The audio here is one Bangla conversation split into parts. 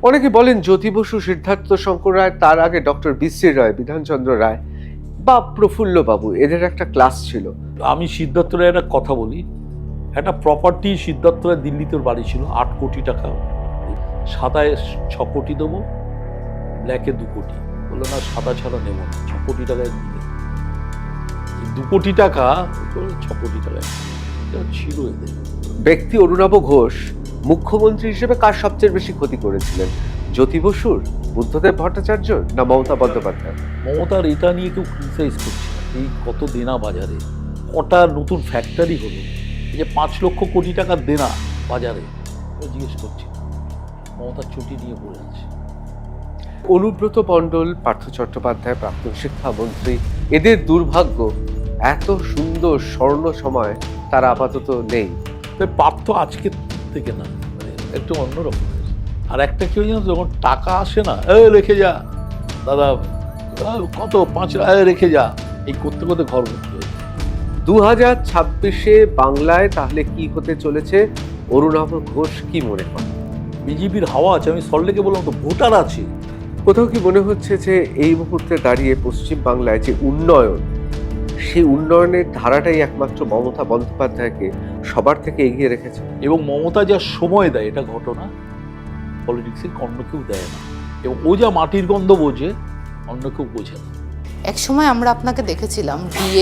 অনেকে বলেন জ্যোতি বসু, সিদ্ধার্থ শঙ্কর রায়, তার আগে ডক্টর বিশ্রী রায়, বিধানচন্দ্র রায় বা প্রফুল্ল বাবু, এদের একটা ক্লাস ছিল। আমি সিদ্ধার্থ রায়ের একটা কথা বলি, একটা প্রপার্টি সিদ্ধার্থ রায় দিল্লিতে ওর বাড়ি ছিল, 8 কোটি টাকা, সাদায় 6 কোটি দেবো, ব্ল্যাকে 2 কোটি। বললো না, সাদা ছাড়া নেবো না, 6 কোটি টাকায় দিলে 2 কোটি টাকা, 6 কোটি টাকায় ছিল এদের। ব্যক্তি অরুণাভ ঘোষ মুখ্যমন্ত্রী হিসেবে কার সবচেয়ে বেশি ক্ষতি করেছিলেন? জ্যোতি বসুর, বুদ্ধদেব ভট্টাচার্য না মমতা বন্দ্যোপাধ্যায়? মমতার এটা নিয়ে কেউ ক্রিটিসাইজ করছে না। এই কত দেনা বাজারে, কটা নতুন ফ্যাক্টরি হলো, এই যে 5 লক্ষ কোটি টাকার দেনা বাজারে, জিজ্ঞেস করছি, মমতার চটি নিয়ে পড়ে আছে। অনুব্রত মণ্ডল, পার্থ চট্টোপাধ্যায়, প্রাক্তন শিক্ষামন্ত্রী, এদের দুর্ভাগ্য এত সুন্দর স্বর্ণ সময় তারা আপাতত নেই। পার্থ আজকে থেকে না, মানে একটু অন্যরকম। আর একটা কেউ জানো, যখন টাকা আসে না, রেখে যা দাদা, কত 5 লাখ রেখে যা, এই করতে করতে ঘর ভর্তি হয়েছে। 2026-এ বাংলায় তাহলে কি হতে চলেছে? অরুণাভ ঘোষ কি মনে করেন? বিজেপির হাওয়া আছে। আমি সল্টলেকে বললাম তো, ভোটার আছে। কোথাও কি মনে হচ্ছে যে এই মুহূর্তে দাঁড়িয়ে পশ্চিম বাংলায় যে উন্নয়ন, সেই উন্নয়নের ধারাটাই একমাত্র মমতা বন্দ্যোপাধ্যায়কে সবার থেকে এগিয়ে রেখেছে? এবং মমতা যা সময় দেয়, এটা ঘটনা পলিটিক্সের অন্য কেউ দেয় না। এবং ও যা মাটির গন্ধ বোঝে, অন্য কেউ বোঝে না। এক সময় আমরা আপনাকে দেখেছিলাম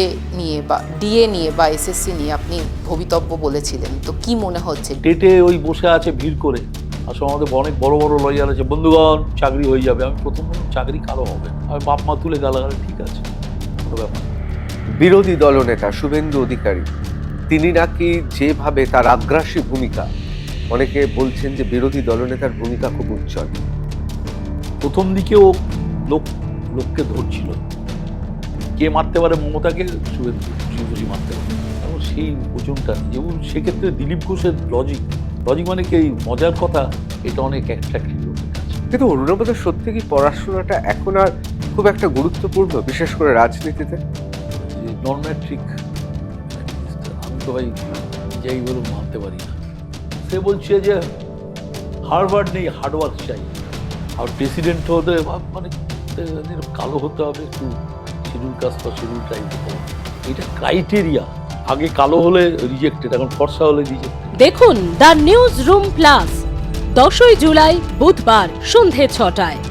ডিএ নিয়ে বা এসএসসি নিয়ে আপনি ভবিতব্য বলেছিলেন, তো কি মনে হচ্ছে? ডেটে ওই বসে আছে ভিড় করে। আসলে আমাদের অনেক বড় বড় লয়ার আছে, বন্ধুগণ চাকরি হয়ে যাবে। আমি প্রথম চাকরি কারো হবে, আমি বাপ মা তুলে গালাগালি, ঠিক আছে, কোনো ব্যাপার। বিরোধী দলনেতা শুভেন্দু অধিকারী, তিনি নাকি যেভাবে তার আগ্রাসী ভূমিকা, অনেকে বলছেন যে বিরোধী দলনেতার ভূমিকা খুব উজ্জ্বল। প্রথম দিকে ও লোককে ধরছিল, কে মারতে পারে মমতাকে, শুভেন্দু মারতে পারে। এবং সেই ওজনটা, যেমন সেক্ষেত্রে দিলীপ ঘোষের লজিক মানে কি, মজার কথা, এটা অনেক অ্যাট্রাক্টিভ। কিন্তু অরুণাভদের সত্যি কি পড়াশোনাটা এখন আর খুব একটা গুরুত্বপূর্ণ, বিশেষ করে রাজনীতিতে? নন ম্যাট্রিক, আমি তো ভাই যাই বলুন মানতে পারি না। সে বলছে যে হার্ভার্ড নেই, হার্ডওয়ার্ক চাই। আর প্রেসিডেন্ট হতে মানে কালো হতে হবে, একটু শিডিউল কাস্ট বা শিডিউল ট্রাইব হতে হবে, এটা ক্রাইটেরিয়া। আগে কালো হলে রিজেক্টেড, এখন ফর্সা হলে রিজেক্টেড। দেখুন দ্য নিউজ রুম প্লাস 10ই জুলাই বুধবার সন্ধে 6টায়।